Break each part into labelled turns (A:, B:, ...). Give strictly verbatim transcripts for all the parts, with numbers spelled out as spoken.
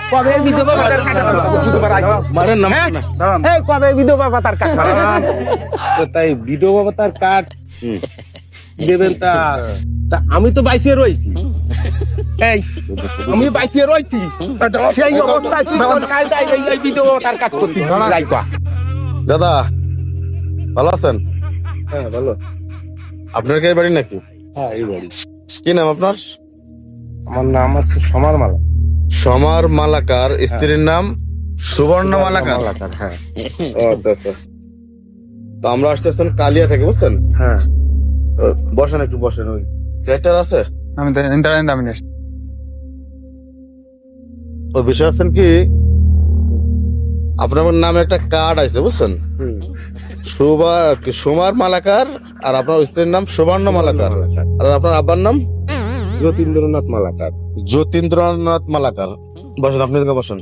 A: কবে বিধবা ভাতার কার্ড বুধবার আইছে
B: মারেন না
A: হ্যাঁ?
B: না
A: এই কবে বিধবা ভাতার কার্ড তো তাই বিধবা ভাতার কার্ড দেবেন তা তা আমি তো বাইসে রয়েছি এই আমি বাইসে রয়েছি তা সেই অবস্থায় তুই কোন কাজ দেয় এই এই বিধবা ভাতার কাজ করছিস রাইকা
B: দাদা ভালো আছেন?
A: হ্যাঁ বলো
B: আপনার কি এই বাড়ি নাকি?
A: হ্যাঁ এই বাড়ি
B: কি নাম আপনার?
A: আমার নাম আছে সমার মালা
B: সমার মালাকার, স্ত্রীর নাম সুবর্ণ মালাকার।
A: মালাকার হ্যাঁ
B: ও, আচ্ছা আচ্ছা। তো আমরা আসতে আসছেন কালিয়া থেকে, বুঝছেন?
A: হ্যাঁ
B: তো বসেন একটু বসেন। ওই সেক্টর আছে
C: আমি তো ইন্টারনেট আমি নেই।
B: ওই বিষয় আছেন কি, আপনার নামে একটা কার্ড আছে, বুঝছেন? সুবা সুমার মালাকার, আর আপনার স্ত্রীর নাম সুবর্ণ মালাকার, আর আপনার আব্বার নাম
A: যতীন্দ্রনাথ মালাকার
B: যতীন্দ্রনাথ মালাকার। বসেন, আপনি এদিকে বসেন।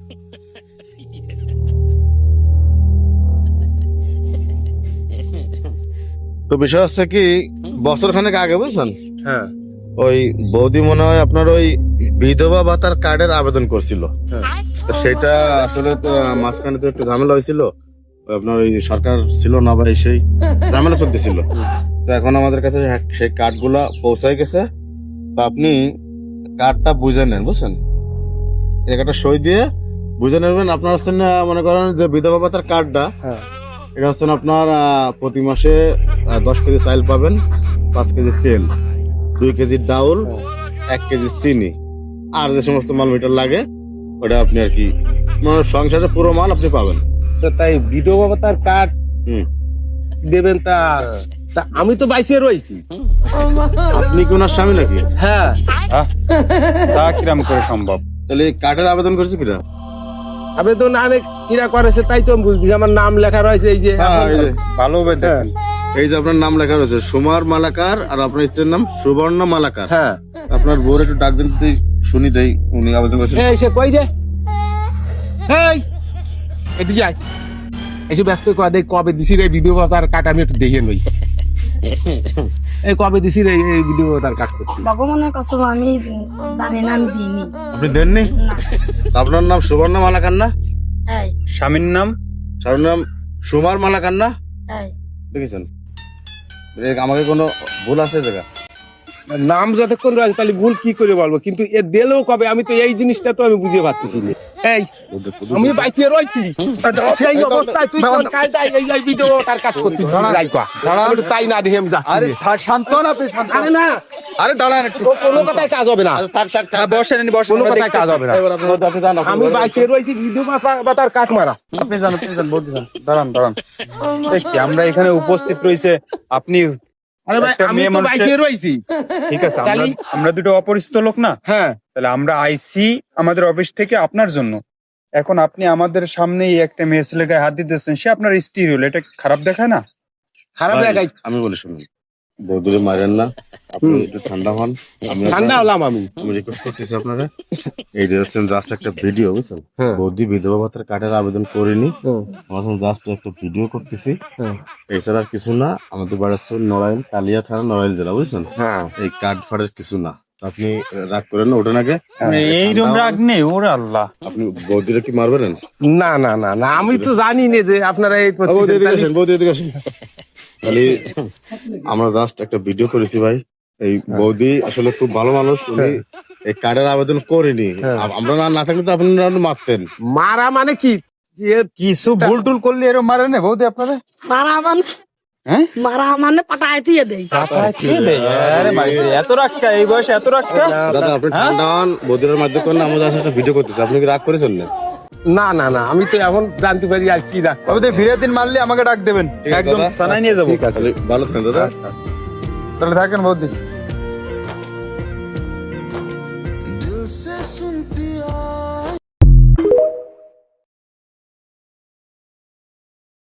B: তো বিষয় হচ্ছে কি, বছর খানেক আগে, বুঝছেন,
A: হ্যাঁ
B: ওই বৌদি মনে হয় আপনার ওই বিধবা ভাতার কার্ডের আবেদন করছিল। তো সেটা আসলে তো মাঝখানে তো একটু ঝামেলা হয়েছিল, আপনার ওই সরকার ছিল না বা সেই ঝামেলা চলতেছিল। তো এখন আমাদের কাছে সেই কার্ড গুলা পৌঁছায় গেছে। তো আপনি কার্ডটা বুঝে নেন, বুঝছেন? একটা সই দিয়ে বুঝে নেবেন। আপনার হচ্ছেন মনে করেন যে বিধবা ভাতার কার্ডটা,
A: হ্যাঁ
B: এটা হচ্ছেন আপনার আহ, প্রতি মাসে আহ, দশ কেজি চাল পাবেন, পাঁচ কেজি তেল, দুই কেজি ডাউল, এক কেজি চিনি, আর যে সমস্ত মাল মিটার লাগে ওটা আপনি আর কি মানে সংসারের পুরো মাল আপনি পাবেন।
A: তো তাই বিধবা ভাতার কার্ড
B: হুম।
A: দেবেন তা তা আমি তো বাইসে রয়েছি
B: আপনি কি ওনার স্বামী নাকি?
A: হ্যাঁ
C: তা কিরাম করে সম্ভব?
B: তাহলে এই কার্ডের আবেদন করছে কিনা?
A: আবেদন অনেক কিরা করেছে তাই তো আমি বুঝছি আমার নাম লেখা রয়েছে এই যে
B: হ্যাঁ, এই যে
C: ভালো হবে দেখেন।
B: এই যে আপনার নাম লেখা রয়েছে সুমার মালাকার, আর আপনার স্ত্রীর নাম সুবর্ণ মালাকার।
A: হ্যাঁ
B: আপনার বউর একটু ডাক দিন তো, শুনি দেই উনি আবেদন করছেন।
A: এই সে কই রে এই এদিকে আয় এসে ব্যস্ত কয় দেখ কবে দিছি রে বিধবা ভাতার কার্ড আমি একটু দেখে নই এই কবে দিছি রে এই বিধবা ভাতার কার্ড করছি
D: ভগবানের কসম আমি জানি না, আমি দিইনি।
B: আপনি দেননি?
D: না
B: আপনার নাম সুবর্ণ মালাকার না?
D: এই
C: স্বামীর নাম
B: স্বামীর নাম সুমার মালাকার না?
D: এই
B: দেখেছেন? এ আমাকে কোনো ভুল আছে এই জায়গা?
A: নাম যতক্ষণ রয়েছে তাহলে ভুল কি করে বলবো, কিন্তু এ দিলেও কবে আমি তো এই জিনিসটা তো আমি বুঝে পারতেছি না। এই আমি বাইসে রয়েছি সেই অবস্থায় তুই কোন কাজ দেয় এই এই বিধবা ভাতার কাজ করছিস রাইকা আমি তাই না দেখে আমি যাচ্ছি
C: আরে
A: রে।
C: থা- শান্ত হন আপনি, শান্ত হন।
A: আরে না
C: আরে দাঁড়ান একটু।
A: কোনো কথায় কাজ হবে না
B: আচ্ছা, থাক থাক থাক
C: হ্যাঁ, বসেন ইনি, বসেন।
A: কোনো
C: আমরা
A: কথায় কাজ
C: দেখতেছি।
A: হবে না
B: এবার আপনি আপনি যান, আপনি
A: আমি
B: ঘরে
A: বাইসে রয়েছি বিধবা ভাতার কাঠ মারা
C: আপনি যান, আপনি যান, বলতে যান। দাঁড়ান দাঁড়ান। এই কি, আমরা এখানে উপস্থিত রয়েছে, আপনি
A: আরে ভাই
C: একটা
A: আমি
C: মেয়ে
A: তো
C: মানুষের-
A: বাইসে রয়েছি
C: ঠিক আছে, আমরা
A: তাহলে-
C: আমরা দুটো অপরিচিত লোক না,
A: হ্যাঁ
C: তাহলে আমরা আইসি আমাদের অফিস থেকে আপনার জন্য। এখন আপনি আমাদের সামনেই একটা মেয়ে ছেলে গায়ে হাত দিতেছেন, সে আপনার স্ত্রী হলো, এটা খারাপ দেখায় না?
A: খারাপ
B: ভাই,
A: লাগাই
B: আমি বলি শুনুন, বৌদুরে মারেন না, আপনি একটু ঠান্ডা হন। আমি
A: ঠান্ডা হলাম আমি
B: আমি রিকোয়েস্ট করতেছি আপনারা, এই যে হচ্ছেন জাস্ট একটা ভিডিও, বুঝছেন?
A: হ্যাঁ।
B: বৌদি বিধবা ভাতার কার্ডের আবেদন করিনি,
A: হুম,
B: আমার জাস্ট একটা ভিডিও করতেছি।
A: হুম।
B: এছাড়া আর কিছু না। আমাদের বাড়ি হচ্ছে নড়াইল, কালিয়া থানা, নড়াইল জেলা, বুঝছেন?
A: হ্যাঁ
B: এই কার্ড ফাড়ের কিছু না। আপনি রাগ করেন না, ওঠেন আগে।
C: এইরকম রাগ নেই, ওরে আল্লাহ।
B: আপনি বৌদিরে কি মারবেন?
A: না না না না আমি তো জানি না যে আপনারা এই
B: বৌদি
A: করতেছেন,
B: এদিকে
A: তাহলে-
B: আসেন, বৌদি এদিকে আসেন। খালি আমরা জাস্ট একটা ভিডিও করেছি ভাই। এই বৌদি আসলে খুব ভালো মানুষ, উনি এই কার্ডের আবেদন করেনি। আম- আমরা না না থাকলে তো আপনারা মারতেন।
A: মারা মানে কি যে
C: কিছু ভুল টুল করলে এরকম মারে না বৌদি আপনারা?
D: মারা মানে
C: হ্যাঁ,
D: মারা মানে পাঠায় দিয়ে দেয়।
C: আরে মারিছে, এত রাগটা এই বয়সে, এত রাগটা?
B: দাদা আপনি ঠান্ডা হন, বৌদির মাধ্যমে করেন, আমরা জাস্ট একটা ভিডিও করতেছি। আপনি কি রাগ করেছেন না?
A: না না না আমি তো এখন জানতে পারি আর কি রাখ
C: তবে তো ফিরে দিন মারলে আমাকে ডাক দেবেন,
B: ঠিক আছে
C: একদম
B: দাদা।
C: থানায় নিয়ে যাবো।
A: ঠিক আছে
B: তাহলে ভালো থাকেন দাদা।
C: তাহলে থাকেন বৌদি।
E: दिल से सुन पिया